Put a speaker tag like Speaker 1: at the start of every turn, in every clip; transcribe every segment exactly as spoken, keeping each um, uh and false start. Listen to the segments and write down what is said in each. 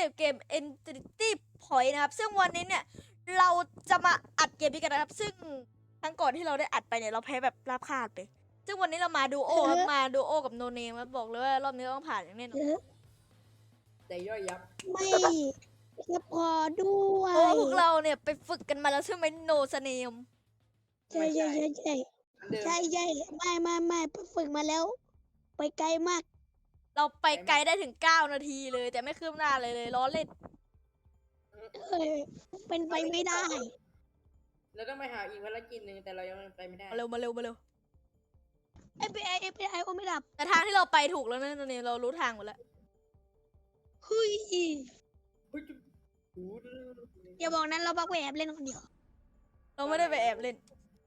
Speaker 1: กับเกม Entity Point นะครับซึ่งวันนี้เนี่ยเราจะมาอัดเกมนี้กันนะครับซึ่งครั้งก่อนที่เราได้อัดไปเนี่ยเราแพ้แบบราบคาดไปซึ่งวันนี้เรามาดูโอครับมาดูโอกับโนเนมครับบอกเลยว่ารอบนี้ต้องผ่านอย่างแน่นอน
Speaker 2: แต่ย่อยยับ
Speaker 3: ไม่จะพอด้วย
Speaker 1: เพราะว่าพวกเราเนี่ยไปฝึกกันมาแล้วใช่ไหมโนสเนม
Speaker 3: ใช่ใช่ใช่ใช่
Speaker 2: อันเดิม
Speaker 3: ใช่ใช่ไม่ไม่ไม่ฝึกมาแล้ว ไปไกลมาก
Speaker 1: เราไปไกลได้ถึงเก้านาทีเลย แต่ไม่คืบหน้าเลยเลยล้อเล่น
Speaker 3: เอ้ยเป็นไปไม่ได้
Speaker 2: เราต้องไปหาอีกภารกิจหนึ่งแต่เรายังไปไม่ได้
Speaker 1: มาเร็วมาเร็วมาเร็ว
Speaker 3: เอฟบีไอเอฟบีไอโอไม่ดับ
Speaker 1: แต่ทางที่เราไปถูกแล้วนะโนเนมเรารู้ทางหมดแล้ว
Speaker 3: เฮ้ย
Speaker 2: เฮ้ยจุ๊บหูดู
Speaker 3: อย่าบอกนั้นเราบักไปแอบเล่นคนเดียว
Speaker 1: เราไม่ได้ไปแอบเล่น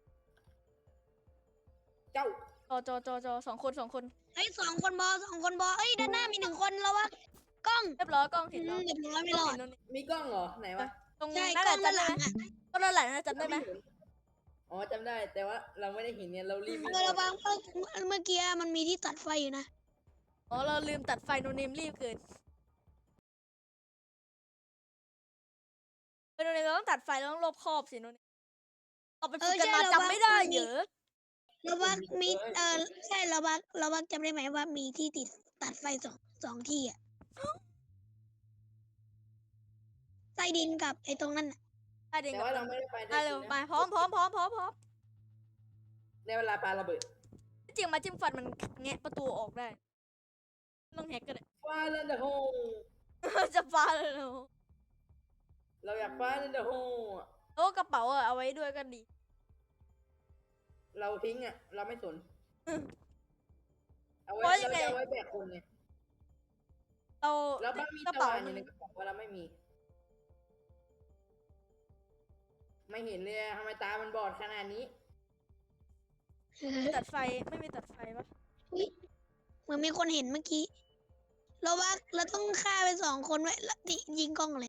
Speaker 2: เจ้า
Speaker 1: จอจอจอจอสองคนสองคน
Speaker 3: เฮ้ยสองคนบอสองคนบอเอ้ยด้านหน้ามีหนึ่งคนแล้ววะกล้อง
Speaker 1: เรียบร้อยกล้อง
Speaker 3: อื
Speaker 1: เห็น
Speaker 3: ม
Speaker 1: เรา
Speaker 3: เรียบร้อยไม่รอด
Speaker 1: เห็นโนเนม
Speaker 2: มีกล้องเหรอไหนวะ
Speaker 1: ตรง
Speaker 3: ใช่
Speaker 1: นั่น
Speaker 3: ก
Speaker 1: แห
Speaker 3: ล้อ
Speaker 1: ละ
Speaker 3: งด้าน
Speaker 1: จำ
Speaker 3: ห
Speaker 1: ได้
Speaker 3: ลั
Speaker 1: ไหม
Speaker 3: งอ่ะ
Speaker 1: ก็นั่นแหละนะจำได้ไหม
Speaker 2: อ๋อจำได้แต่ว่าเราไม่ได้เห็นเนี่ยเรารีบ
Speaker 3: เออระวังเมื่อเมื่อกี้มันมีที่ตัดไฟอยู่นะ
Speaker 1: อ๋อเราลืมตัดไฟโนเนมรีบเกินเออโนเนมเราต้องตัดไฟเราต้องรอบคอบสิโนเนมเราไปฝึกกันมาจำไม่ได้เหรอ
Speaker 3: เราบักมีเออใช่เราบักเราบักจำได้ไหมว่ามีที่ติดตัดไฟสองสองที่อ่ะใต้ดินกับไอ้ตรงนั้นน่ะ
Speaker 1: ได้เด็ก
Speaker 2: แต่
Speaker 1: กับ
Speaker 2: ว่าเราไม่ได้ไปได้
Speaker 1: มาเร็วมาพร้อมพร้อมพร้อมพร้อมพร้อม
Speaker 2: ในเวลาปาระเบิด
Speaker 1: จริงมาจิ้มฟันมันแงะประตูออกได้ไม่ต้องแฮกก็ได้
Speaker 2: ฟ้าเลนเดอร์โฮ
Speaker 1: จะฟ้าเลยเหรอ
Speaker 2: เราอยากฟ้าเลนเดอร์โฮ
Speaker 1: โอ้กระเป๋าอะเอาไว้ด้วยก็ดี
Speaker 2: เราทิ้งอ่ะเราไม่สน
Speaker 1: อืม
Speaker 2: เอาไว้
Speaker 1: เพราะยั
Speaker 2: เรา
Speaker 1: งไง
Speaker 2: จะเอาไว้แบกคนไง
Speaker 1: เรา
Speaker 2: เราบ้างมี
Speaker 1: กระ
Speaker 2: ตะ
Speaker 1: เป๋า
Speaker 2: วันอ
Speaker 1: มั
Speaker 2: ยู่
Speaker 1: น
Speaker 2: ในกระเป๋าว่าเราไม่มี ไม่เห็นเลยอะทำไมตามันบอดขนาดนี้
Speaker 1: ตัดไฟไม่มีตัดไฟปะ
Speaker 3: เหมือนมีคนเห็นเมื่อกี้ เราว่าเราต้องฆ่าไปสองคนไว้แล้วติยิงกล้องเลย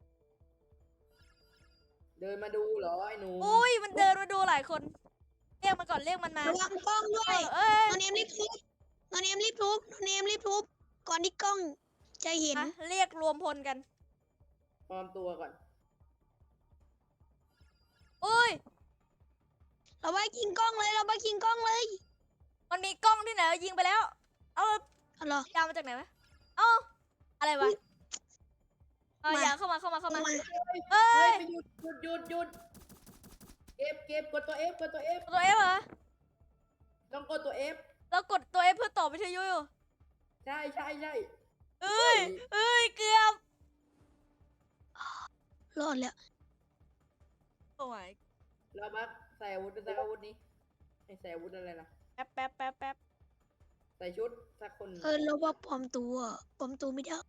Speaker 2: เดินมาดูเหรอไอ้หนู
Speaker 1: อุ้ยมันเดินมาดูหลายคนเรียกมันก่อนเรียกมันมา
Speaker 3: ระวังกล้องด้
Speaker 1: เอ
Speaker 3: วย
Speaker 1: อเอ้ย
Speaker 3: นอนเนมรีบทุบนอนเนมรีบทุบนอนเนมรีบทุบก่อนที่กล้องจะเห็น
Speaker 1: มาเรียกรวมพลกัน
Speaker 2: ปลอมตัวก่อน
Speaker 1: อุ้ย
Speaker 3: เราว่ายิงกล้องเลยเราว่ายิงกล้องเลย
Speaker 1: มันมีกล้องที่ไหนยิงไปแล้ว เอา
Speaker 3: เอาเหรอย
Speaker 1: าวมาจากไหนวะเอ้าอะไรวะเอายาวเข้ามาเข้ามาเข้ามา
Speaker 3: มา
Speaker 1: เอ้
Speaker 2: เฮ้ย
Speaker 1: ย
Speaker 2: ไปหยุดหยุดหยุดหยุดเก็บเก็บกดตัว F กดตัว F
Speaker 1: ตัวเอฟเหรอ
Speaker 2: ต้องกดตัว F
Speaker 1: เรากดตัวเอฟเพื่อต่อวิทยุอยู่
Speaker 2: ใช่ใช่ใช่
Speaker 1: เอ้ยเอ้ยเกือบ
Speaker 3: รอดแล้ว
Speaker 1: โอ้ย
Speaker 2: เราบักใส่อาวุธสักอาวุธนี้ให้ใส่อาวุธอะไรล่ะ
Speaker 1: แป๊บแป๊บแป๊บแป๊บ
Speaker 2: ใส่ชุดสักคน
Speaker 3: เออเราว่าปลอมตัวปลอมตัวไม่ได้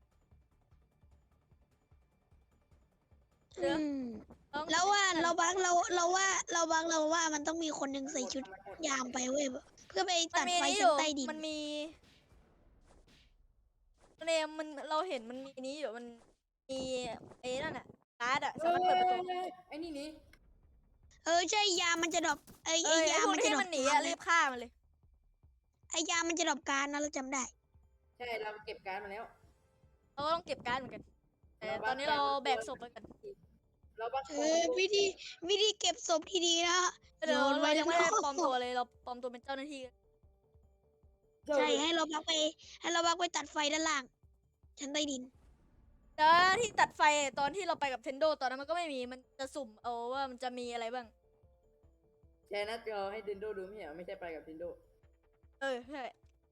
Speaker 1: เดี๋ยว
Speaker 3: อืม
Speaker 1: ต้อง
Speaker 3: แล้วว่าเราบังเราเราว่าเราบังเราว่ามันต้องมีคนหนึ่งใส่ชุดยามไปเว้ยเพื่อไป
Speaker 1: มัน
Speaker 3: ตัด
Speaker 1: มี
Speaker 3: ไฟ
Speaker 1: นี้อ
Speaker 3: ชั้น
Speaker 1: ยู่
Speaker 3: ใต้ดิน
Speaker 1: มันมีเนมมันเราเห็นมันมีนี้อยู่มันมีไอ้นั่นอะการ์ดอะ
Speaker 2: เฮ้
Speaker 1: สามารถเปิดประตู
Speaker 2: ยไอ้นี่นี่
Speaker 3: เออใช่ยามมันจะดรอปไอ้
Speaker 1: เอ้
Speaker 3: ไอ้
Speaker 1: ยไอ้
Speaker 3: ยาม
Speaker 1: พวก
Speaker 3: มันจะ
Speaker 1: ที่
Speaker 3: ดรอ
Speaker 1: มั
Speaker 3: ป
Speaker 1: นหนี
Speaker 3: การ์
Speaker 1: อะ
Speaker 3: ด
Speaker 1: รี
Speaker 3: นะ
Speaker 1: บฆ่ามันเลย
Speaker 3: ไอ้ยามมันจะดรอปการ์ดนะเราจำได้
Speaker 2: ใช่เราเก็บการ์ดมาแล้ว
Speaker 1: เราก็ต้องเก็บการ์ดเหมือนกันแต่ตอนนี้เราแบกศพไปกัน
Speaker 2: เราบัก
Speaker 3: เออวิธีวิธีเก็บศพที่ดีนะ
Speaker 1: เดี๋ยว
Speaker 3: โยนไว้
Speaker 1: เรายังไม่ได้
Speaker 3: ข้างนอก
Speaker 1: ปลอมตัวเลยเราปลอมตัวเป็นเจ้าหน้าที่กัน
Speaker 3: ใช่ให้เราบักไปให้เราบักไปตัดไฟด้านล่างชั้นใต้ดิน
Speaker 1: แต่ที่ตัดไฟตอนที่เราไปกับเทนโดตอนนั้นมันก็ไม่มีมันจะสุ่มเอาว่ามันจะมีอะไรบ้าง
Speaker 2: แชร์หน้าจอให้ดินโดดูไม่ใช่เหรอไม่ใช่ไปกับดินโด
Speaker 1: เออใช่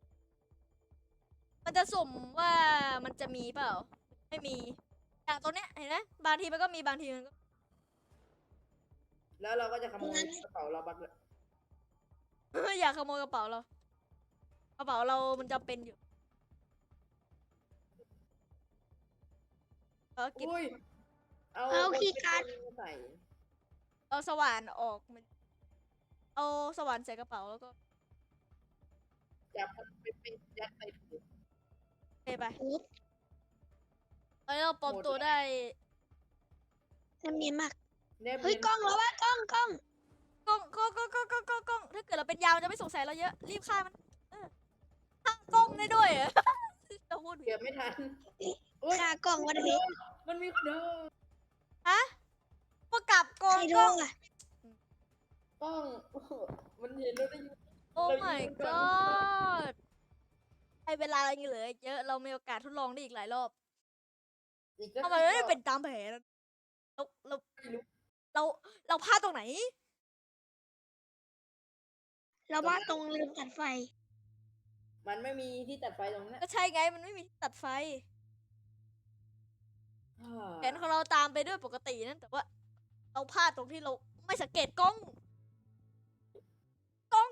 Speaker 1: มันจะสุ่มว่ามันจะมีเปล่าไม่มีอย่างตัวเนี้ยเห็นไหมบางทีมันก็มีบางทีมันก็
Speaker 2: แล้วเราก็จะขโมยกระเป๋าเราบักเลย
Speaker 1: อยากขโมยกระเป๋าเรากระเป๋าเรามันจะเป็นอยู่เออกิน
Speaker 2: อุ้ยเอา
Speaker 3: เอาคีย์การ์ด
Speaker 2: ใส่
Speaker 1: เอาสว่านออกมันเอาสว่านใส่กระเป๋าแล้วก็
Speaker 2: จับมันไปเป็นยัดใส่ถุง
Speaker 1: เทไป
Speaker 3: อุ๊บ
Speaker 1: ตอนนี้เราปลอมตัวได้
Speaker 3: น้ำเนียนมาก
Speaker 2: แนบ
Speaker 3: เฮ้ย
Speaker 2: เนียน
Speaker 3: กล้องเราว่ากล้องกล้อง
Speaker 1: กล้องกล้องกล้องกล้องกล้องกล้องกล้องถ้าเกิดเราเป็นยาวมันจะไม่สงสัยเราเยอะรีบฆ่ามันเออฆ่ากล้องได้ด้วยเหรอ เราพูดผิด
Speaker 2: เก็บไม่ทันอุ้ย
Speaker 3: ค่ากล้องวัน
Speaker 2: โด
Speaker 3: นี้
Speaker 2: นโดมันมีคนเดิน
Speaker 1: ฮะพวกกลับโก
Speaker 3: ใครง โท
Speaker 1: กล้
Speaker 3: ร
Speaker 1: อง
Speaker 3: อ่ะ
Speaker 2: กล้อง มันเห็นเราได้ยิน
Speaker 1: โอ้
Speaker 2: เรายิ
Speaker 1: my
Speaker 2: งมันก่อน
Speaker 1: god ให้เวลายังเหลืออีกเยอะ เรามีโอกาสทดลองได้อีกหลายรอบ
Speaker 2: อีกสัก
Speaker 1: ทำไม
Speaker 2: สิบ
Speaker 1: ไม่
Speaker 2: รอบ
Speaker 1: เป็นตามแผนเราเรา
Speaker 2: ไม่รู้
Speaker 1: เราเราพลาดตรงไหน
Speaker 3: เราว่าตรงลืมตัดไฟ
Speaker 2: มันไม่มีที่ตัดไฟตรงนั้น
Speaker 1: ก็ใช่ไงมันไม่มีที่ตัดไฟ
Speaker 2: อ่า
Speaker 1: แผนของเราตามไปด้วยปกตินั่นแต่ว่า เราพลาดตรงที่เราไม่สังเกตกล้อง กล้อง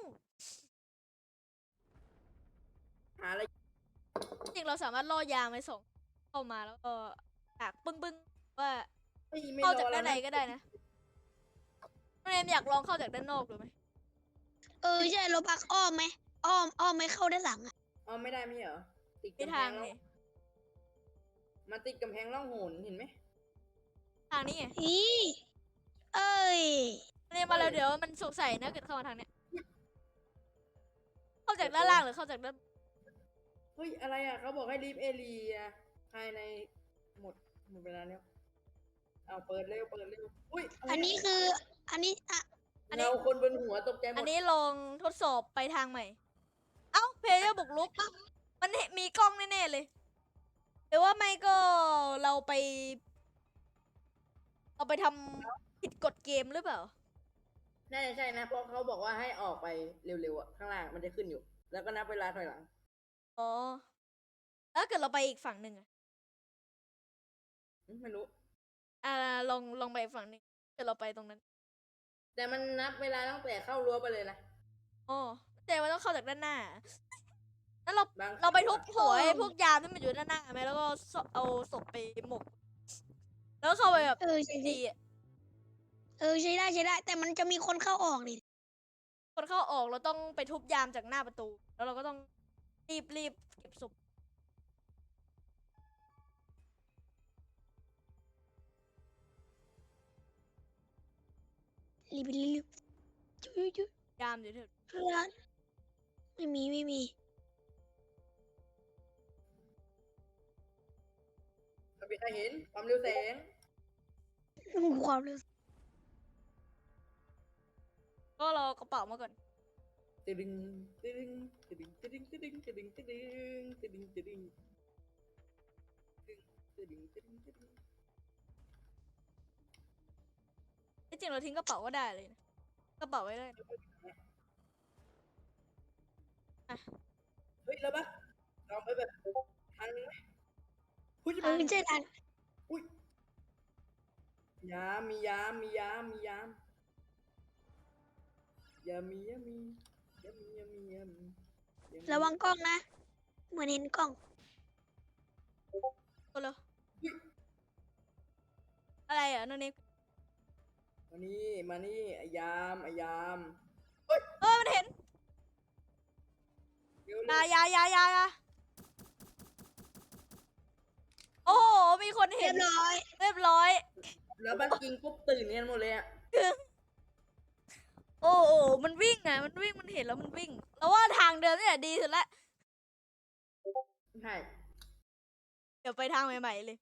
Speaker 2: หาอะไร
Speaker 1: จริงเราสามารถล่อยางไปส่งเข้ามาแล้วก็จากปึ้งปึ้งๆว่า
Speaker 2: ไม่ไม่
Speaker 1: เข้าร
Speaker 2: อ
Speaker 1: จากด้านใน
Speaker 2: แล้วะ
Speaker 1: ก็ได้นะน้องเนมอยากลองเข้าจากด้านนอกดูไหม
Speaker 3: เออใช่เราพักอ้อมไหมอ้อมอ้อมไม่เข้าด้านหลังอ่ะ
Speaker 2: อ๋อไม่ได้ไม่ใช่เหรอติด
Speaker 1: มี
Speaker 2: กำแพ
Speaker 1: ทาง
Speaker 2: งร่อ
Speaker 1: นี่
Speaker 2: งมาติดกำแพงร่องหนเห็นไหม
Speaker 1: ทางนี้ไง
Speaker 3: อีเอ้ย
Speaker 1: น้องเนมมาแล้ว
Speaker 2: เอ้ย
Speaker 1: เดี๋ยวมันสงสัยนะเกิดเข้ามาทางเนี้ย เข้าจากด้านล่างหรือเข้าจากด้าน
Speaker 2: เฮ้ยอะไรอ่ะเขาบอกให้รีบเอเรียภายในหมดหมดเวลาแล้วเอาเปิดเร็วเปิดเร็วอุ้ยะไร
Speaker 3: อันนี้คือ อันนี้อ่ะ
Speaker 1: อันนี้
Speaker 2: เงาคนบนหัวตกใจหม
Speaker 1: อั
Speaker 2: ด
Speaker 1: นนี้ลองทดสอบไปทางใหม่ เอ้าเพลเยอร์บุกรุก มันเห็นมีกล้องแน่ๆเลย หรือว่าไม่ก็เราไป เราไปทำผิดกฎเกมหรือเปล่า
Speaker 2: น่าจะใช่นะเพราะเขาบอกว่าให้ออกไปเร็วๆอ่ะข้างล่างมันจะขึ้นอยู่ แล้วก็นับเวลาถอยหลัง
Speaker 1: อ๋อ แล้วเกิดเราไปอีกฝั่งหนึ่งอะ
Speaker 2: อืมไม่รู้
Speaker 1: อ่าลองลองไปอีกฝั่งหนึ่งเกิดเราไปตรงนั้น
Speaker 2: แต่มันนับเวลาตั้งแต่เข้ารั้วไปเลยนะ
Speaker 1: อ๋อแต่ว่าต้องเข้าจากด้านหน้า แล้วเรา
Speaker 2: บาง
Speaker 1: เราไปทุบหัวไอ้พวกยามที่มันอยู่ด้านหน้าไหมแล้วก็ศพเอาศพไปหมก แล้วเข้าไปแบบ
Speaker 3: เออใช่ใช่
Speaker 1: ดีอะ
Speaker 3: เออใช้ได้ใช้ได้ แต่มันจะมีคนเข้าออกดิ
Speaker 1: คนเข้าออกเราต้องไปทุบยามจากหน้าประตู แล้วเราก็ต้องรีบรีบเก็บศพ
Speaker 3: รีบรีบจุ๊ยจุ๊ย
Speaker 1: ยามอยู่เถอะ
Speaker 3: เพื่อนไม่มีไม่มี
Speaker 2: ไม่มีใครเห็นความเร็วแสง
Speaker 3: ความเร็ว
Speaker 1: ก็รอกระเป๋ามาก่อน
Speaker 2: ตึดึงตึดึงตึดึงตึดึงตึดึงตึดึงตึดึงตึดึงตึดึงตึดึงตึดึงตึดึง
Speaker 1: ที่จริงเราทิ้งกระเป๋าก็ได้เลยนะกระเป๋าไว้เลย
Speaker 2: เฮ้ยแล้วปะลองไปแบบทางนึงไหมหุ้ย
Speaker 3: เออใช่ทัน
Speaker 2: อุ้ยยามมียามมียามมียามยามียามียามียามียามียามี
Speaker 3: ระวังกล้องนะ เหมือนเห็นกล้อง
Speaker 1: ก็เลยอะไรอ่ะนั่นเอง
Speaker 2: มานี่มานี่ไอ้ยามไอ้ยาม
Speaker 1: เออมันเห็น
Speaker 2: เร็ว
Speaker 1: อ
Speaker 2: เร็
Speaker 1: ยาว อยาอยาอยาโอ้โห มีคน
Speaker 3: เรี
Speaker 1: เห็
Speaker 3: ย
Speaker 1: น
Speaker 3: บร้อย
Speaker 1: เรียบร้อย
Speaker 2: แล้วบ้านกิงปุ๊บตื่นกันหมดเลยอ่ะ
Speaker 1: โอ้โหมันวิ่งอ่ะ มันวิ่ง มันเห็นแล้วมันวิ่ง แล้วว่าทางเดิมเนี่ยดีสุดละ
Speaker 2: ใช่
Speaker 1: เดี๋ยวไปทางใหม่ๆเลย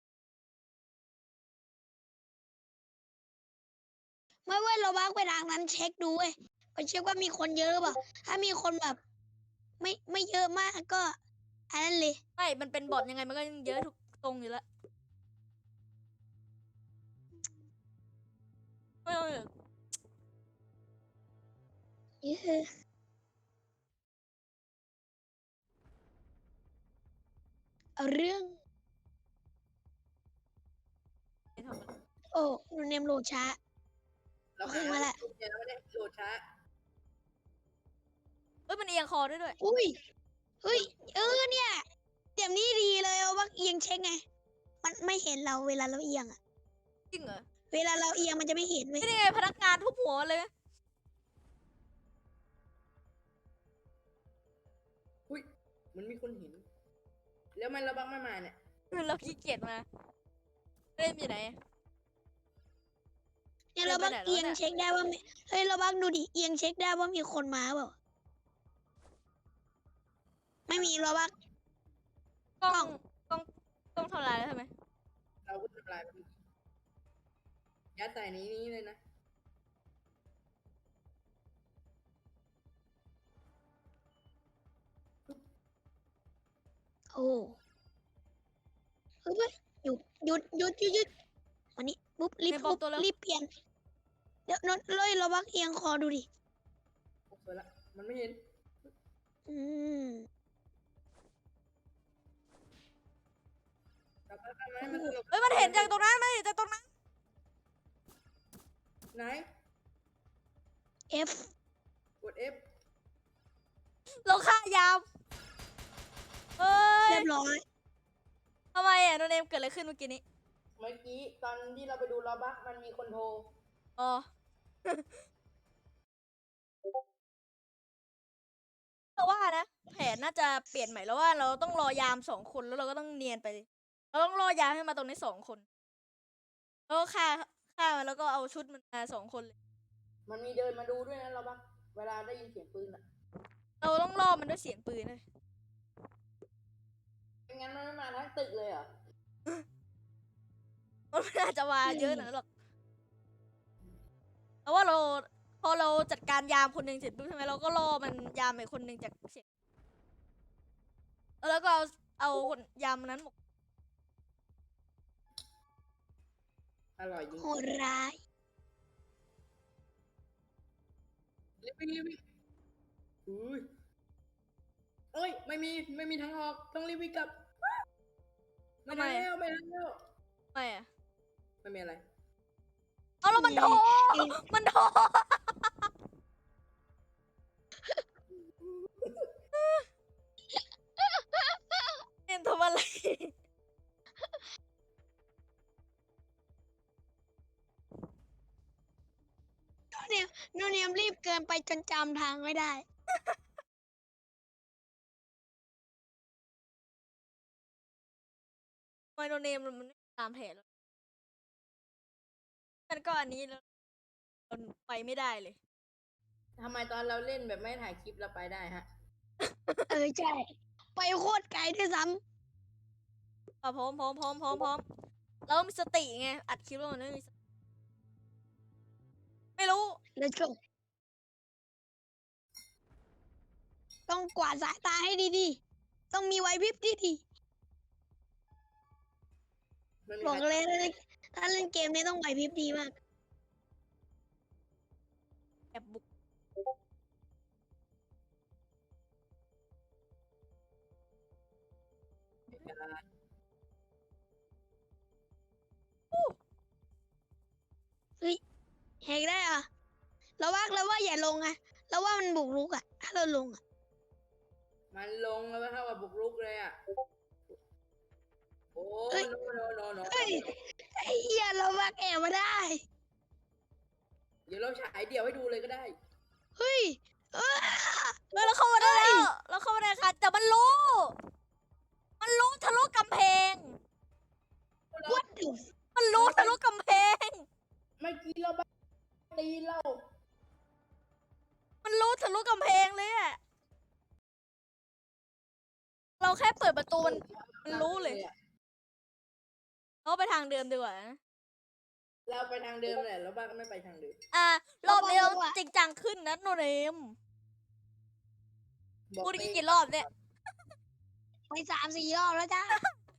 Speaker 3: ไม่เว้ยเราบักไปทางนั้นเช็คดูเว้ยไปเช็คว่ามีคนเยอะหรือเปล่า ถ้ามีคนแบบ ไม่ไม่เยอะมากก็อันนั้นเลย
Speaker 1: ไม่ มันเป็นบอทยังไงมันก็ยังเยอะทุกตรงอยู่แล้วเออ
Speaker 3: เยอะเอาเรื่อง
Speaker 1: ไม่ทำอะไร
Speaker 3: โอ้หนูเนมโหลดช้า
Speaker 2: เรา
Speaker 3: ขึ้นมาละ
Speaker 2: เนี่ยเราไม่ได้โหลดช้า
Speaker 1: เอ้ย มันเอียงคอด้วยด้วย
Speaker 3: อุ้ยเฮ้ย เออเนี่ยเดี๋ยวนี้ดีเลยเอาบักเอียงเช็คไง มันไม่เห็นเราเวลาเราเอียงอะ
Speaker 1: จริงเหรอ
Speaker 3: เวลาเราเอียงมันจะไม่เห็นเว้ย
Speaker 1: นี่ไงพนักงานทุบหัวเลย
Speaker 2: อุ้ยมันมีคนเห็น แล้วมันระบังไม่มาเนี่ย
Speaker 1: เราขี้เกียจมาเล่นอยู่ไหน
Speaker 3: เนี่ยเราบัก
Speaker 1: เดินไปไหนแล้ว
Speaker 3: เอียง
Speaker 1: เนี่ย
Speaker 3: เช็คได้ว่ามีเฮ้ยเราบักดูดิเอียงเช็คได้ว่ามีคนมาเปล่าไม่มีเราบัก
Speaker 1: กล้องกล้องกล้องทำลายแล้วใช่ไหม
Speaker 2: เราก็ยัดใส่นี้นี้เลยนะ
Speaker 3: โอ้เฮ้ยเว้ยหยุดหยุดหยุดหยุดหยุดวันนี้ปุ๊บรีบ
Speaker 1: เนมปลอ
Speaker 3: ปุ๊
Speaker 1: ม
Speaker 3: บ
Speaker 1: ตัวแล้ว
Speaker 3: รีบเปลี่ยนเดี๋ยวนนเลยเราบักเอียงคอดูดิ
Speaker 2: โอ้สวยละ มันไม่เห็น
Speaker 3: อืม
Speaker 2: กลับมาทำไมมันสนุก
Speaker 1: เฮ้ยมันเห็นจากตรงนั้นมันเห็นจากตรงนั้น
Speaker 2: ไหน
Speaker 3: F
Speaker 2: กด F
Speaker 1: เราฆ่ายามเฮ้ย
Speaker 3: เรียบร้อย
Speaker 1: ทำไมอ่ะโนเนมเกิดอะไรขึ้นเมื่อกี้นี้
Speaker 2: เมื่อกี้ตอนที่เราไปดูลอบักมันมีคนโทร
Speaker 1: อ๋อ แต่ว่านะแผนน่าจะเปลี่ยนใหม่แล้วว่าเราต้องรอยามสองคนแล้วเราก็ต้องเนียนไป เราต้องรอยามให้มาตรงนี้สองคนแล้วก็ฆ่าฆ่ามันแล้วก็เอาชุดมันมาสองคนเลย
Speaker 2: มันมีเดินมาดูด้วยนะลอบักเวลาได้ยินเสียงปืนอะ
Speaker 1: เราต้องล่อมันด้วยเสียงปืนเลย
Speaker 2: ไม่งั้นมันไม่มาทั้งตึกเลยเหรอ
Speaker 1: มันไม่น่าจะมาเยอะหนะหรอกเพราะว่าเราพอเราจัดการยามคนหนึ่งเสร็จปุ๊บใช่ไหมเราก็ล่อมันยามอีกคนหนึ่งจากเสียงแล้วก็เอาเอาคนยามนั้นหมก
Speaker 2: อร่อยจริง
Speaker 3: โหดร้าย
Speaker 2: รีบวิ่งรีบวิ่งอุ้ยเอ้ย ไม่มี ไม่มีทางออก ต้องรีบวิ่งกลับ ไม่ทันแล้วไม่ทันแล้ว
Speaker 1: ไม่อะ
Speaker 2: ไม่มีอะไร
Speaker 1: เอาแล้วมันโทรมันโทรเอ็นทำอะไร
Speaker 3: โนเนียมโนเนียมรีบเกินไปจนจำทางไม่ได้
Speaker 1: ไมโนเนมมันไม่ตามแผนแล้วมันก็อันนี้แล้วมันไปไม่ได้เลย
Speaker 2: ทำไมตอนเราเล่นแบบไม่ถ่ายคลิปเราไปได้ฮะ
Speaker 3: เออใช่ ไปโคตรไกลด้วยซ้
Speaker 1: อ่ะพร้อมพร้อมพร้อมพร้อมพร้อมแล้วมีสติไงอัดคลิปแล้วมันไม่มีสติไม่รู้
Speaker 3: ำ let's go ต้องกวาดสายตาให้ดีๆ ต้องมีไหวพริบที่ดี
Speaker 2: ไม่มี
Speaker 3: บอก
Speaker 2: ใคร
Speaker 3: เลยถ้าเล่นถ้าเล่นเกมนี้ต้องไหวพริบดีมาก
Speaker 1: แอบบุก
Speaker 3: แหกได้เหรอะเราว่าเราว่าอย่าลงอะเราว่ามันบุกรุกอะถ้าเราลงอะ
Speaker 2: มันลงแล้วเท่ากับบุกรุกเลยอ่ะ โอ้โนโนโนโน
Speaker 3: เฮ้ยไอ้เหี้ยเราว่าแอบมาได้
Speaker 2: เดี๋ยวเราฉายเดี่ยวให้ดูเลยก็ได้
Speaker 3: เฮ้ยเอ้อ
Speaker 1: เฮ้ยเราเข้ามาได้แล้วเราเข้ามาได้ค่ะแต่มันรู้ มันรู้ทะลุกำแพง
Speaker 3: what the
Speaker 1: มันรู้ทะลุกำแพง
Speaker 2: เมื่อกี้เราบ้าตีเรา
Speaker 1: มันรู้ทะลุกำแพงเลยอะเราแค่เปิดประตูมัน มันรู้เลย เราไปทางเดิมดีกว่านะ
Speaker 2: เราไปทางเดิมแหละแล้วบ้าก็ไม่ไปทางเดิม
Speaker 1: อ่ะรอบนี้เราจริงจังขึ้นนะโนเนม
Speaker 2: บอก
Speaker 1: พูด
Speaker 2: ไป
Speaker 1: กี่รอบเนี่ย
Speaker 3: ไปสามสี่รอบแล้วจ้า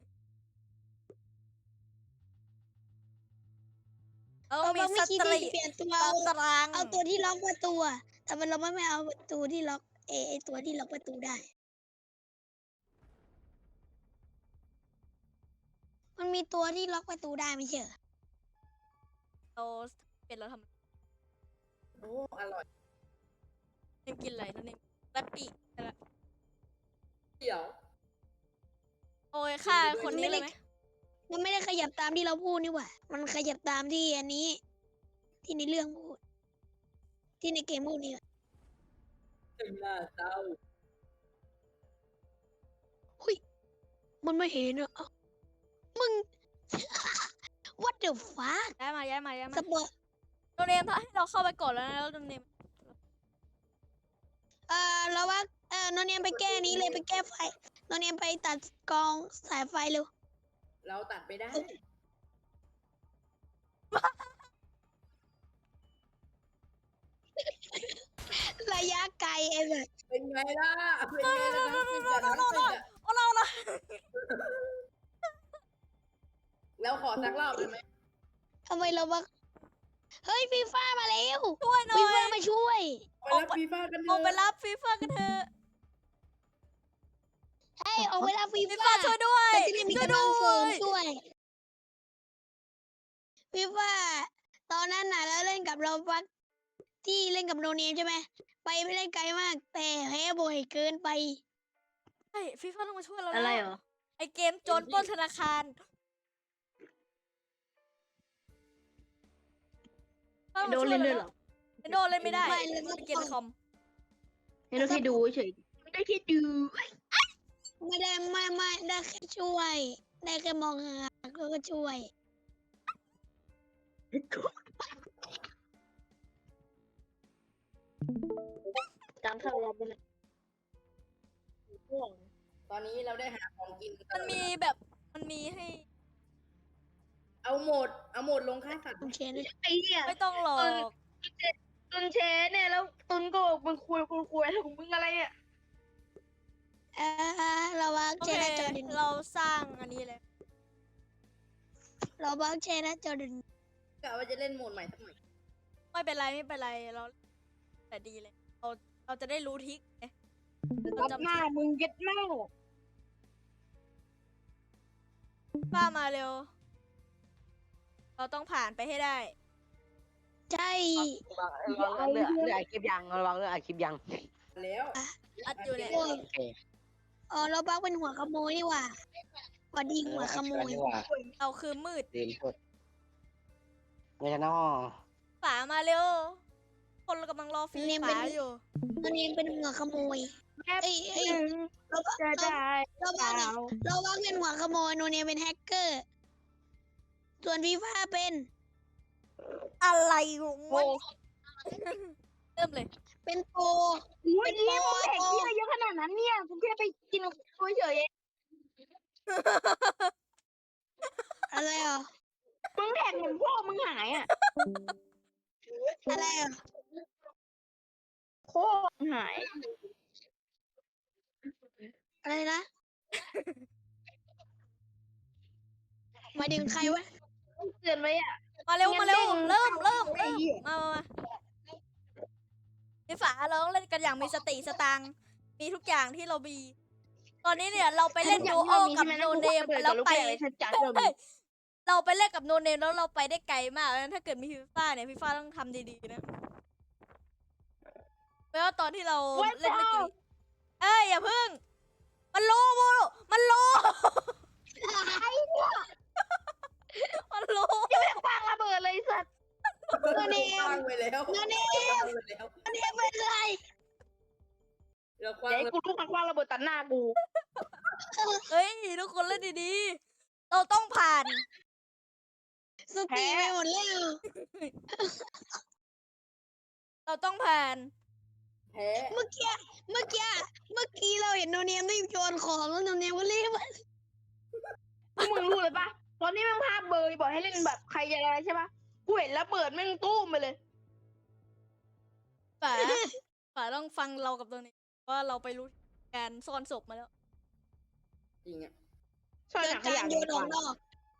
Speaker 1: เรา
Speaker 3: เรา
Speaker 1: มี
Speaker 3: ไม่
Speaker 1: ส
Speaker 3: คิด
Speaker 1: ต
Speaker 3: ที่
Speaker 1: รี
Speaker 3: จะเปลี่ยนตัว
Speaker 1: ต
Speaker 3: เอา
Speaker 1: าราง
Speaker 3: เอาตัวที่ล็อกประตูอะแต่มันเราไม่ไม่เอาประตูที่ล็อกเอไอตัวที่ล็อกประตูได้ มันมีตัวที่ล็อกประตูได้ไม่ใช่เหรอ
Speaker 1: เราเป็นเราทำ
Speaker 2: โอ้ อร่อย
Speaker 1: เนมกินอะไรโนเนมแรปปี้อะไร
Speaker 2: เดี๋ยว
Speaker 1: โอ้ยฆ่าคนนี้เลยไหม
Speaker 3: มันไม่ได้ขยับตามที่เราพูดนี่หว่า มันขยับตามที่อันนี้ ที่ในเรื่องพูด ที่ในเกมพูดนี่
Speaker 2: ถึงหน้าเศร้า
Speaker 3: มันไม่เห็นอ่ะเอ้ามึง what the fuck
Speaker 1: ย้ายมาย้ายมาย้าย
Speaker 3: ส
Speaker 1: มา
Speaker 3: ปอร์
Speaker 1: โนเนมให้เราเข้าไปก่อนแล้วนะแล้วโนเนม
Speaker 3: เออเราว่าเออโนเนียมไปแก้นี้เลยไปแก้ไฟโนเนียมไปตัดกองสายไฟเร็ว
Speaker 2: เราตัดไปได้
Speaker 3: ระยะไกลไอ้แบบ
Speaker 2: เป็นไงล่ะเป็นไงล่ะทั้งตึกอะทั้งตึกอะ
Speaker 1: เอาเราละ
Speaker 2: แล้วขอสักรอบได้ไหม
Speaker 3: ทำไมเราบักเฮ้ยฟีฟ่ามาแล้ว
Speaker 1: ช่วยหน่อ
Speaker 3: ฟีฟ่าย มาช่วย
Speaker 2: ไปรับฟีฟ่ากันเถ
Speaker 1: ออกไป
Speaker 2: อะ
Speaker 1: รับฟีฟ่ากันเถอะ
Speaker 3: เฮ้ยออกไปรับฟี
Speaker 1: ฟี
Speaker 3: ฟ่า
Speaker 1: ฟ่าช่วยด้วย
Speaker 3: เราจะได้มี
Speaker 1: ช่วย
Speaker 3: กำลั
Speaker 1: ด้
Speaker 3: งเสริ
Speaker 1: ว
Speaker 3: ม
Speaker 1: ย
Speaker 3: ช่วยฟีฟ่าตอนนั้นน่ะเราเล่นกับเราบักที่เล่นกับโนเนียใช่ไหมไปไม่ได้ไกลมาก แต่แพ้บ่อยเกินไป
Speaker 1: ใช่ฟีฟ่าต้องมาช่วยเรา
Speaker 3: อะไร
Speaker 1: แล้ว
Speaker 3: เหรอ
Speaker 1: ไอเกมโจรปล้นธนาคารต้องมา
Speaker 4: โดน
Speaker 1: ช่ว
Speaker 4: เล่น
Speaker 1: รา
Speaker 4: ด้วยเหรอ
Speaker 1: ไอโดนเล่นไม่ได้
Speaker 3: ไม่เล่น
Speaker 1: มันเป็นเกมในคอม
Speaker 4: ให้เราแค่ดูเฉยไม่ได้แค่ดู
Speaker 3: ไม่ได้ไม่ไม่ได้แค่ช่วย ได้แค่มองหาแล้วก็ช่วย
Speaker 4: จำเข้ารับไปเลย
Speaker 2: ตอนนี้เราได้หาของกินกั
Speaker 1: มัน น
Speaker 2: แล้ว
Speaker 1: มีแบบ มันมีให้
Speaker 2: เอาโหมดเอาโหมดลงฆ่าสัตว์
Speaker 3: ผมเชน
Speaker 4: ไอ้เนี่ย
Speaker 1: ไม่ต้องหลอก
Speaker 4: ตุนแชร์เนี่ยแล้วตุนก็บอกมึงคุยคุยคุยอะไรของมึงอะไรเนี่ย
Speaker 3: เออเราบัก
Speaker 1: โอ
Speaker 3: เช
Speaker 1: เค
Speaker 3: นจอร์แดน
Speaker 1: เราสร้างอันนี้เลย
Speaker 3: เราบักเชนจอร์แดน
Speaker 2: กะว่าจะเล่นโหมดใหม่สักหน่อย
Speaker 1: ไม่เป็นไรไม่เป็นไรเราแต่ดีเลย เราเราจะได้รู้ทริกไงเรา
Speaker 4: รับ
Speaker 1: จำ
Speaker 4: หน้ามึงเก็ตแม่
Speaker 1: ป้ามาเร็ว เราต้องผ่านไปให้ได้
Speaker 3: ใช่
Speaker 5: ระวังเรื่องเรื่องอัดคลิปยังระวังเรื่องอัดคลิปยัง
Speaker 2: แล้ว
Speaker 1: อัดอยู่เนี่ย
Speaker 3: โอ้ย
Speaker 5: โอเค
Speaker 3: อ๋อเราบักเป็นหัวขโมยนี่หว่าหวัดดีหัวขโมย
Speaker 5: ดีกว่า
Speaker 1: เราคือมืด
Speaker 5: ดีสุดไม่ใช่นอ
Speaker 1: ฝามาเร็ว คนเรากำลังรอฟรี
Speaker 3: เนี่ย
Speaker 1: ฝา
Speaker 3: เป็น
Speaker 1: อยู่
Speaker 3: ตัวนี้เป็นหัวขโมย
Speaker 4: แค่
Speaker 3: เอ้ยเอ้ย
Speaker 4: หนึ่ง
Speaker 3: เราบัก
Speaker 4: จะ
Speaker 3: เรา
Speaker 4: ได้
Speaker 3: เรา
Speaker 4: เป
Speaker 3: บัก
Speaker 4: ล่า
Speaker 3: อะเราบักเป็นหัวขโมยโนเนียเป็นแฮกเกอร์ ส่วนฟีฟ่าเป็น
Speaker 1: อะไรของ
Speaker 4: โอ้
Speaker 1: มันเริ่มเลย
Speaker 3: เป็นโปร
Speaker 4: ยนี่มึงแหกที่อะไรเยอะขนาดนั้นเนี่ยกูแค่ไปกินคุยเฉย
Speaker 3: อะไรอ่ะ
Speaker 4: มึงแหกเหมือนพ่อมึงหายอ่ะ
Speaker 3: อะไรอ่ะ
Speaker 4: พ่อมึงหาย
Speaker 3: อะไรนะหมายถึงใครวะ
Speaker 4: เตือนไว้อ่ะ
Speaker 1: มาเร็วมาเร็ว
Speaker 4: งั้น
Speaker 1: เริ่มเริ่ม
Speaker 4: ไอ้
Speaker 1: เริ่ม
Speaker 4: เหี้ย
Speaker 1: มามามาในฝาเราต้องเล่นกันอย่างมีสติสตังค์มีทุกอย่างที่เรามีตอนนี้เนี่ยเราไปเล่นดูโอกับโนเนมแล้วไป
Speaker 4: จัด
Speaker 1: เฮ้ยเราไปเล่นกับโนเนมแล้วเราไปได้ไกลมากแล้วถ้าเกิดมีฟีฟ่าเนี่ยฟีฟ่าต้องทำดีๆนะเพราะว่าตอนที่เราเล่นเมื่อกี้เอ้ยอย่าพึ่ง มันโลโมมันโลมันโล
Speaker 4: วางระเบิดเลยสัตว์
Speaker 3: โนเนม
Speaker 2: คว้างไปแล้ว
Speaker 3: โนเน
Speaker 2: คว้าม งไปแล้ว
Speaker 3: โนเนมเป็นไร
Speaker 2: เราคว้า
Speaker 4: เดี๋ยว
Speaker 2: ง
Speaker 4: ให้กูลูกมันวางระเบิดตัดหน้ากู
Speaker 1: เฮ้ยทุกคนเล่นดีๆเราต้องผ่าน
Speaker 3: สติไปหมดแล้ว
Speaker 1: เราต้องผ่าน
Speaker 2: แพ้
Speaker 3: เมื่อกี้เมื่อกี้เมื่อกี้เราเห็นโนเนียมรีบโยนของแล้วโนเนียมก็รีบมา
Speaker 4: พวกมึงรู้เลยปะตอนนี้แม่งภาพเบอร์บอกให้เล่นแบบใครจะอะไรใช่ปะกูเห็นระเบิดแม่งตู้มไปเลย
Speaker 1: ฝา ฝาต้องฟังเรากับตัวนี้ว่าเราไปรู้การซ่อนศพมาแล้ว
Speaker 2: จริงอ่ะ
Speaker 4: ช่วย
Speaker 3: เกิ
Speaker 4: ห
Speaker 3: ด
Speaker 4: นักข
Speaker 3: การ
Speaker 4: ยะ
Speaker 3: โย
Speaker 4: ดี
Speaker 3: น
Speaker 4: ก
Speaker 3: ออ
Speaker 4: ว่าก
Speaker 3: นอก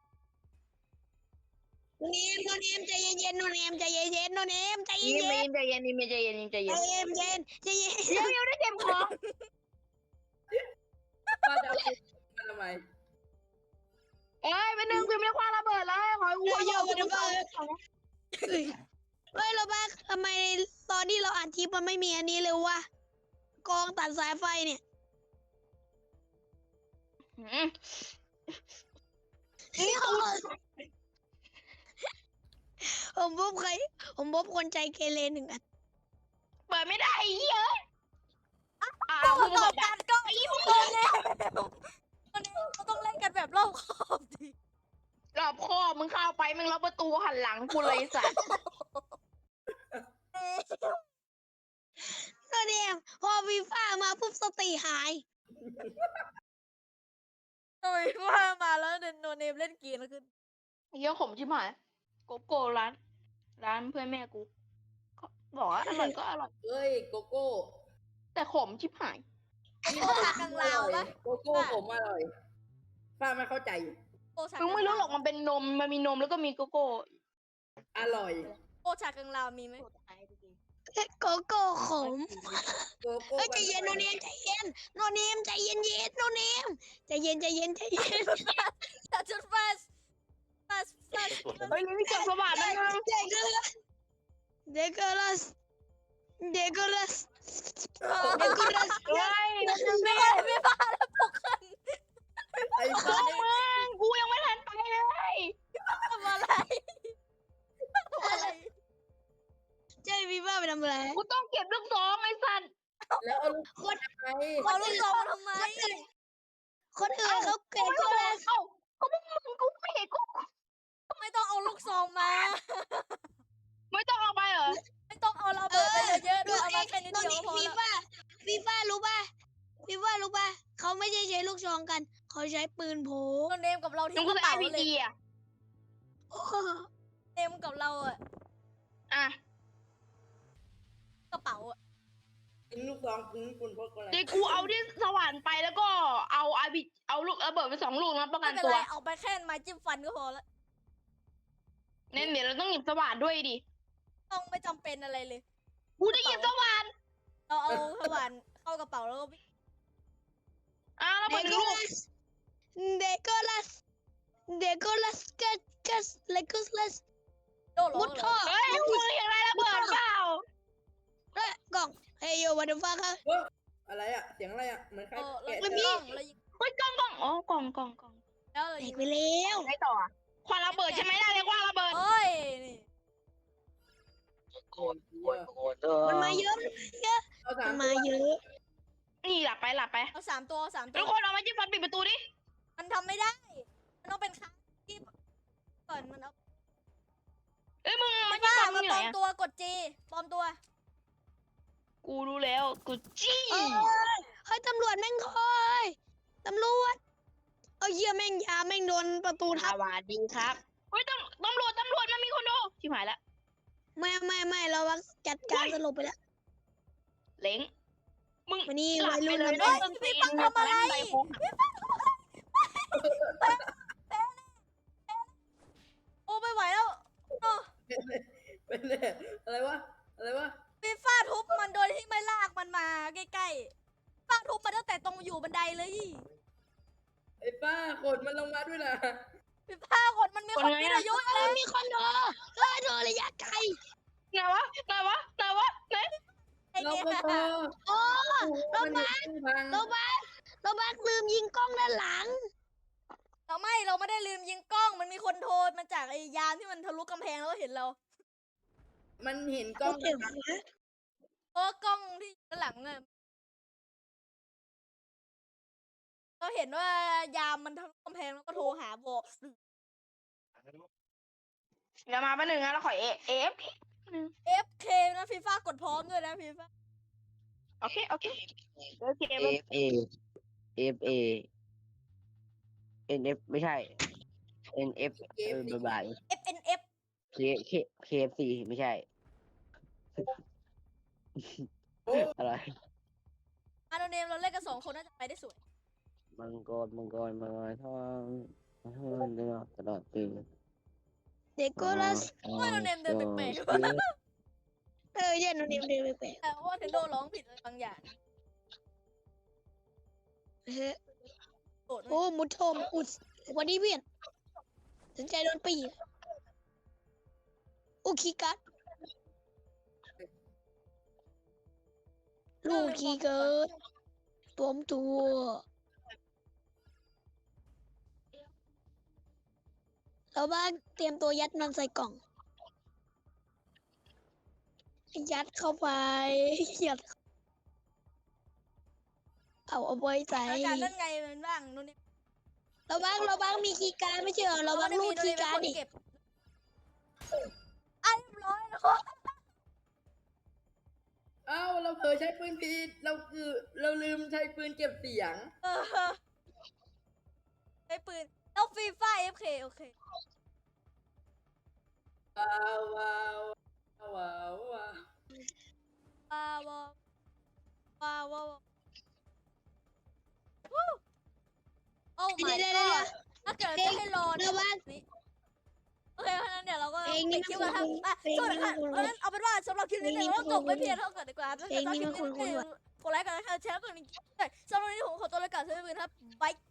Speaker 3: โนเนียมโนเนียมใจเย็นๆโนเนียมใจเย็นๆโนเนียมใจเย็
Speaker 4: ยิ้ม
Speaker 3: น
Speaker 4: ใจเย็นยิ้มใจเย็นยิ้มใจ
Speaker 3: ๆ
Speaker 4: เย็น
Speaker 3: ใจเย็นๆใจเย็นใจเย็น
Speaker 4: เดี๋ยวเดี๋ยวได้เต็มของ
Speaker 2: ป้าจะเอามันทำไม
Speaker 4: เอ้ยไปหนึ่งกูไม่ได้คว้าระเบิดแล้วขอให้กู
Speaker 3: โย
Speaker 4: เอา
Speaker 3: นมันไปเฮ้ยเฮ้ยเราบ้าทำไมตอนที่เราอ่านคลิปมันไม่มีอันนี้เลยวะกองตัดสายไฟเนี่ย
Speaker 4: อืม
Speaker 3: ผมพบใคร ผมพบคนใจเกเรหนึ่งอัน
Speaker 4: เปิดไม่ได้ไอ้เหี้ยอ้า
Speaker 1: ต่
Speaker 4: ว
Speaker 1: อ
Speaker 4: มึง
Speaker 1: ต่อ
Speaker 4: แบบ
Speaker 1: กันก็อีพวกเราเนี่ยวันนี้เราต้องเล่นกันแบบรอบคอบดิ
Speaker 4: รอบคอมึงเข้าไปมึงล็อกประตูหันหลังกูเลยไอ้สัตว์
Speaker 3: โนเนียมพอวีฟ่ามาปุ๊บสติหาย
Speaker 1: ทำไมว่ามาแล้วเดนโนเนมเล่นเกมแล้วขึ้น
Speaker 4: ไอ้เหี้ยขมชิบหายโกโก้ร้าน ร้านเพื่อนแม่กูบอกว่าอร่อยก็อร่อย
Speaker 2: เอ้ยโกโก้
Speaker 4: แต่ขมชิบหาย
Speaker 1: โกโก้ชากังลาวปะ
Speaker 2: โกโก้ผมอร่อยป้าไม่เข้าใจอยู่
Speaker 1: โกโก้ชา
Speaker 4: มึ
Speaker 1: กั
Speaker 4: ง
Speaker 1: ง
Speaker 4: ไม่รู้
Speaker 1: ลาว
Speaker 4: หรอกมันเป็นนมมันมีนมแล้วก็มีโกโก้
Speaker 2: อร่อย
Speaker 1: โกโก้ชากังลาวมีไหม
Speaker 3: โกโก้ขม
Speaker 2: โกโก้
Speaker 3: เฮ้ยใจเย็นโนเนมใจเย็นโนเนมใจเย็นเย็นโนเนมใจเย็นใจเย็นใจเย็น
Speaker 1: แต่จุด fast fast fast
Speaker 4: เฮ้ยนี่เก็บสว่านนะมึง
Speaker 3: เด็กเด็กลัสเด็กลัสเด็กลัส
Speaker 4: เฮ้ย
Speaker 1: ไม่ได้ไม่บ้าแล้วปลุกขึ้น
Speaker 2: ไอ้
Speaker 4: พว
Speaker 2: บ้าก
Speaker 4: มึงกูยังไม่ทันไปเลย
Speaker 1: ทำอะไรทำอะไร
Speaker 3: ใจพี่บ้าไปทำอะไร
Speaker 4: กูต้องเก็บลูกซองไอ้สัตว์
Speaker 2: แล้วเอาลูกคนไป
Speaker 1: เอาลูกซองมาทำไม
Speaker 3: คนอื่นเขาเก่งก็เลย
Speaker 4: เอ้าก็พวกมึงกูไม่เห็นกู
Speaker 1: ไม่ต้องเอาลูกซองมา
Speaker 4: ไม่ต้องเอาไปเหรอ
Speaker 1: ไม่ต้องเอาเราเบิดไปเยอะๆด้วยเอามาแค่นิด
Speaker 3: ตอน
Speaker 1: เดียว
Speaker 3: นี้
Speaker 1: ก็พอ
Speaker 3: ฟี
Speaker 1: แล้ว
Speaker 3: ฟ่าฟีฟ่ารู้ป่ะฟีฟ่ารู้ป่ะเขาไม่ใช่ใช้ลูกซองกัน เขาใช้ปืนโผ
Speaker 1: เราเนมกับเรา
Speaker 4: มึ
Speaker 1: ที่
Speaker 4: ง
Speaker 1: ก
Speaker 4: ก็
Speaker 1: ระ
Speaker 4: ใช้
Speaker 1: เป๋า
Speaker 4: พี
Speaker 1: เลย
Speaker 4: จีอ่ะ
Speaker 1: เนมกับเราอะ
Speaker 4: อ่ะ
Speaker 1: กระเป๋าอะ
Speaker 2: กินลูกซองกินคุณพกอะไร
Speaker 4: เดี๋ยวกูเอาที่สว่านไปแล้วก็เอาอาบิเอาลูกระเบิดไปสองลูกแล้วประกั
Speaker 1: ไม่
Speaker 4: น
Speaker 1: เป็น
Speaker 4: ตั
Speaker 1: ไร
Speaker 4: ว
Speaker 1: เอาไปแค่ไม้จิ้มฟันก็พอแล้ว
Speaker 4: เน้นเดี๋ยวเราต้องหยิบสว่านด้วยดิ
Speaker 1: ต้องไม่จำเป็นอะไรเลย
Speaker 4: กูจะหยิบสว่าน
Speaker 1: เราเอาสว่านเข้ากระเป๋าแล้วก็
Speaker 4: อ่ะระ
Speaker 3: เด
Speaker 4: เบิดหนึ่
Speaker 3: โก
Speaker 4: งลูก
Speaker 3: ลัสเดโกลัสเดโกลัสกัสกัสเลกุสลัส
Speaker 1: โดดล
Speaker 3: มุ
Speaker 1: ง
Speaker 3: ด
Speaker 1: เล
Speaker 3: ท่อย
Speaker 4: เฮ้ยมึงเห็นอะไรระเบิดเปล่า
Speaker 3: เอ้ยกล่องเฮ้ยโยวันเดอร์ฟ้าค่ะ
Speaker 2: เฮ้ยอะไรอ่ะเสียงอะไรอ่ะเหมือนใคร
Speaker 1: เออเรา
Speaker 2: แกะ
Speaker 1: ยิง
Speaker 2: เจ
Speaker 1: กล้
Speaker 2: อ
Speaker 1: องเรายิง
Speaker 4: เฮ้ยกล่องกล่องอ๋อกล่องกล่องกล่อง
Speaker 1: แล้วเรา
Speaker 3: แต
Speaker 1: ยิ
Speaker 3: ก
Speaker 1: ง
Speaker 3: ไปแล้ว
Speaker 4: ได้ต่ออ่ะควันระเบิดใช่ไหมได้เลยควันระเบิด
Speaker 1: โอ้ยนี่
Speaker 5: โกนโกนโกนเออ
Speaker 3: มันมาเยอะ
Speaker 2: เอาสา
Speaker 3: มั
Speaker 2: ม
Speaker 3: น
Speaker 2: ตั
Speaker 3: มาว เยอะ
Speaker 4: นี่หลับไปหลับไป
Speaker 1: เอาสามตัวเอาสามตั
Speaker 4: ทุ
Speaker 1: ว
Speaker 4: กคนเอาไม้จิ้มฟันปิดประตูดิ
Speaker 1: มันทำไม่ได้ มันต้องเป็นครั้งที่ก่อนมันเอา
Speaker 4: เอ้ยมึง
Speaker 1: ไม่
Speaker 4: ไม้จิ้ม
Speaker 1: ว่า
Speaker 4: ฟันมึ
Speaker 1: มาง
Speaker 4: อยู่
Speaker 1: ปล
Speaker 4: ไหน
Speaker 1: อม
Speaker 4: อะ
Speaker 1: ตัวกดจีปลอมตัว
Speaker 4: กูรู้แล้วกูจี้
Speaker 3: เอ้ยเฮ้ยตำรวจแม่งคอยตำรวจเอาเหี้ยแม่งยาแม่งโดนประตู
Speaker 4: ส
Speaker 3: ทับ
Speaker 4: วัสดีครับเฮ้ยตำตำรวจตำรวจมันมีคนดูชิบหายละ
Speaker 3: ไม่ไม่ไม่เราว่าจัดการสลบไปแล้ว
Speaker 4: เล้งมึง
Speaker 3: วันนี้
Speaker 4: หลั
Speaker 3: วั
Speaker 4: บ
Speaker 3: ย
Speaker 4: ไป
Speaker 3: รุ่น
Speaker 4: เลย
Speaker 3: ทำ
Speaker 4: นะ
Speaker 3: ได้
Speaker 4: ต้นตีน
Speaker 1: พี่ฟังทำอะไร
Speaker 4: ใส่โค้ง
Speaker 1: โอ้ไม่ไหวแล้วเออ
Speaker 2: เป็นเลยอะไรวะอะไรวะ
Speaker 1: ฟีฟ่าทุบมันโดยที่ไม่ลากมันมาใกล้ๆฟาดทุบมันตั้งแต่ตรงอยู่บันไดเลย
Speaker 2: ไอ้ป้าขนมันลงมาด้วยนะ
Speaker 1: ฟีฟ่ากดมันมีคนมีอายุ
Speaker 3: เอ้ยมีคนโดนเฮ้ยโดนระยะไกล
Speaker 4: ไหนวะไหนวะไหนวะไหน
Speaker 1: ไอ้
Speaker 2: เรา
Speaker 1: เนี่ย
Speaker 2: ก็พอ
Speaker 3: โอ้
Speaker 2: เราบ้านพัง
Speaker 3: เราบ้าเราบ้าลืมยิงกล้องด้านหลัง
Speaker 1: เราไม่เราไม่ได้ลืมยิงกล้องมันมีคนโทรมาจากไอ้ยามที่มันทะลุกำแพงแล้วเห็นเรา
Speaker 2: มันเห็นกล้อง
Speaker 3: เดี๋ยวนะ
Speaker 1: เพราะว่ากล้องที่ด้านหลังอะเราเห็นว่ายามมันทะลุกำแพงแล้วก็โทรหาบอก
Speaker 4: เดี๋ยวมาแป๊บนึงนะเราขอเอเอฟ
Speaker 1: เอฟเคนะฟีฟ่ากดพร้อมด้วยนะฟีฟ่า
Speaker 4: โอเคโอเคโอเค
Speaker 5: เอฟเอเอฟเอเอ็นเอฟไม่ใช่เอ็นเอฟเออบายบาย
Speaker 1: เอฟเอ็นเอฟ
Speaker 5: เคเคเคเอฟซีไม่ใช่
Speaker 2: โอ้
Speaker 5: อะไร
Speaker 1: อาโนเนมเราเล่นกันสองคนน่าจะไปได้สวย
Speaker 5: มังกรมังกรมังกรทองทองตลอดตลอดปี
Speaker 3: เด็กก็ลัส
Speaker 1: โอ้ยโนเนมเดินแปลก
Speaker 3: เออเย็นโนเนมเดินไปแปลก
Speaker 1: ๆแต่ว่าเทนโดร้องผิดอะไรบางอย่าง
Speaker 3: เฮ้ย
Speaker 1: โกรธ
Speaker 3: โอ้มุดโทมอุดวันนี้เวียนสนใจโดนปีอุคีกัดลูกคีเกิดปลอมตัวเราบ้างเตรียมตัวยัดมันใส่กล่อง ยัดเข้าไป ยัดเอาเอาไว้ใส่
Speaker 1: อาจารย์นั่นไงมันบ้างโนเนม
Speaker 3: เราบ้างเราบ้างมีคีย์การดไม่ใช่เหรอเราบ้างรูดคีย์การดดิ
Speaker 1: เก็บอ่ะเรียบร้อยแล้ว
Speaker 2: เอ้าเราเผลอใช้ปืนผิดเราคือเราลืมใช้ปืนเก็บเสียง
Speaker 1: เออไอ้ปืนแล้วฟีฟ่าเอฟเคโอเค
Speaker 2: ว้าวว้าวว้าวว้าว
Speaker 1: ว้าวว้าวว้าวโอ้ my
Speaker 3: เดี๋ยวเดี๋ยว
Speaker 1: god ถ้าเกิดจะให้รอ
Speaker 3: เดี๋
Speaker 1: เนี่ย
Speaker 3: วยว่า
Speaker 1: โอเคเพราะฉะนั้นเดี๋ยวเราก็
Speaker 3: เพลงนี้
Speaker 1: ปิดคลิปกันครับ
Speaker 3: มัน
Speaker 1: อ่ะ
Speaker 3: เพลง
Speaker 1: สวัส
Speaker 3: นี้
Speaker 1: ดี
Speaker 3: มั
Speaker 1: ค่ะ
Speaker 3: นคุ้นๆ
Speaker 1: เพราะฉะนั้นเอาเป็นว่าสำหรับคลิปนี้เนี่ย
Speaker 3: เพลงนี้
Speaker 1: เราต้องจบ
Speaker 3: มัน
Speaker 1: ไป
Speaker 3: คุ้นๆ
Speaker 1: เพียงเท่ากันดีกว่าถ้า
Speaker 3: เพล
Speaker 1: เกิด
Speaker 3: ง
Speaker 1: ชอบ
Speaker 3: นี้
Speaker 1: คลิป
Speaker 3: มัน
Speaker 1: นี้
Speaker 3: คุ้นๆ
Speaker 1: เนี่ยกดไลค์กันนะแชร์กดนี้สำหรับวันนี้ผมขอตัวลาไปก่อนสวัสดีครับบ๊าย